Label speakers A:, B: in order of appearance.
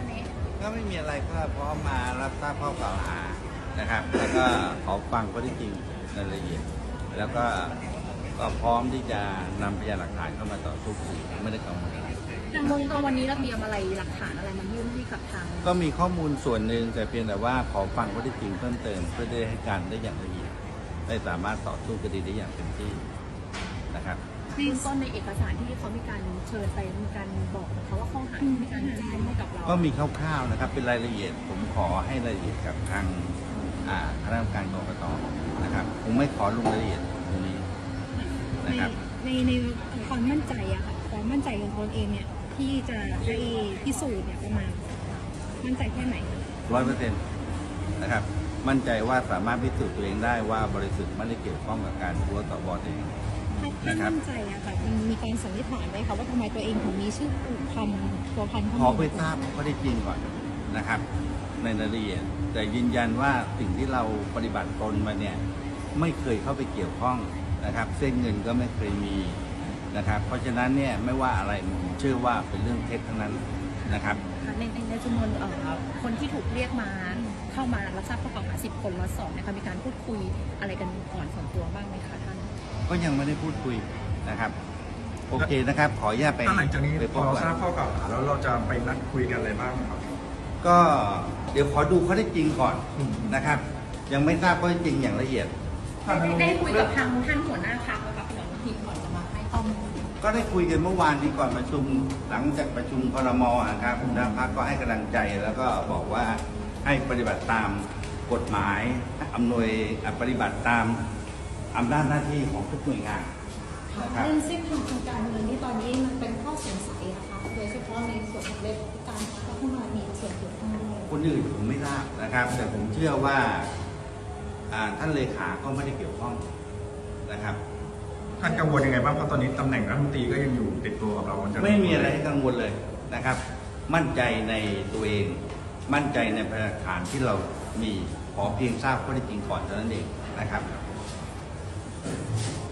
A: วันนี้
B: ก็ไม่มีอะไรก็พร้อมมารับทราบข้อกล่าวหานะครับ แล้วก็ขอฟังข้อเท็จจริงในรายละเอียดแล้วก็พร้อมที่จะนำพยานหลักฐานเข้ามาต่อสู้คดีไม่ได้กังวลอะไร
A: ทางเมืองตอนวันนี้เราเตรียมอะไรหลักฐานอะไรมายื่นให้กับทาง
B: ก็มีข้อมูลส่วนหนึ่งแต่เพียงแต่ว่าขอฟังข้อเท็จจริงเพิ่มเติมเพื่อได้ให้การได้อย่างละเอียดได้สามารถต่อสู้คดีได้อย่างเต็มที่นะครับ
A: ในต้นในเอกสารที่เขามีการเชิญไปมีการบอกเขาว่าข้อหาที่มีการแจ้งให้กับเรา
B: ก็มีคร่าวๆนะครับเป็นรายละเอียดผมขอให้รายละเอียดกับทางคณะกรรมการกกตนะครับผมไม่ขอลงรายละเอียดตรงนี้นะครับ
C: ในความมั่นใจอะค่ะความมั่นใจของตนเองเนี่ยที่จะได้พิสูจน์เนี่ยประมาณมั่นใจแค่ไหน
B: 100%นะครับมั่นใจว่าสามารถพิสูจน์ตัวเองได้ว่าบริสุทธิ์ไม่ได้เกี่ยวข้องกับการหัวต่อบอเอง
C: ถ้ามั่นใจอะค่ะมันมีการสันนิษฐานไหมคะว่าทำไมตัวเองถึงมีชื่อผูกพันตัวพันเข้า
B: ขอ
C: มา
B: ไปทราบข้อเท็จจริงก่อนนะครับในรายละเอียดแต่ยืนยันว่าสิ่งที่เราปฏิบัติตนมาเนี่ยไม่เคยเข้าไปเกี่ยวข้องนะครับเส้นเงินก็ไม่เคยมีนะครับเพราะฉะนั้นเนี่ยไม่ว่าอะไรผมเชื่อว่าเป็นเรื่องเท็จทั้งนั้นนะครับ
A: ในจำนวนคนที่ถูกเรียกมาเข้ามารับทราบข้อกล่าวหา10 คนล็อต 2นะคะมีการพูดคุยอะไรกันก่อนส่วนตัวบ้างไหมคะท่าน
B: ก็ยังไม่ได้พูดคุยนะครับโอเคนะครับขออนุญาตไป
D: หลังจากนี้
B: ไปพ
D: พอบ เรา
B: ก่อน
D: ทราบข้อกล่าวหาแล้วเราจะไปนัดคุยกันอะไรบ้างครับ
B: ก็เดี๋ยวขอดูข้อเท็จจริงก่อนนะครับ ยังไม่ทราบข้อเท็จจริงอย่างละเอียด
A: ได้คุยกับทางท่านหัวหน้าพรรคแล้วกับหลวงทีก่อนจะมาให้ข้อมูล
B: ก็ได้คุยกันเมื่อวานนี้ก่อนประชุมหลังจากประชุมครม.นะครับหัวหน้าพรรคก็ให้กำลังใจแล้วก็บอกว่าให้ปฏิบัติตามกฎหมายอำนวยปฏิบัติตามอำนาจหน้าที่ของทุกหน่วยงานนะครับ
C: เรื่องเส้นทางทางการเงินที่ตอนนี้มันเป็นข้อสงสัยนะคะโดยเฉพาะในส่วนของเลขาการพัฒนามีส่วนเกี่ยวข้องด้วย
B: คนอื่นผมไม่ทราบนะครับ แต่ผมเชื่อว่าท่านเลขาก็ไม่ได้เกี่ยวข้องนะครับ
D: ท่านกังวลยังไงบ้างเพราะตอนนี้ตำแหน่งรัฐมนตรีก็ยังอยู่ติดตัวกับเราจะ
B: ไม่มีอะไรให้กังวลเลยนะครับ มั่นใจในตัวเอง มั่นใจในพยานหลักฐานที่เรามีขอเพียงทราบข้อเท็จจริงก่อนเท่านั้นเองนะครับ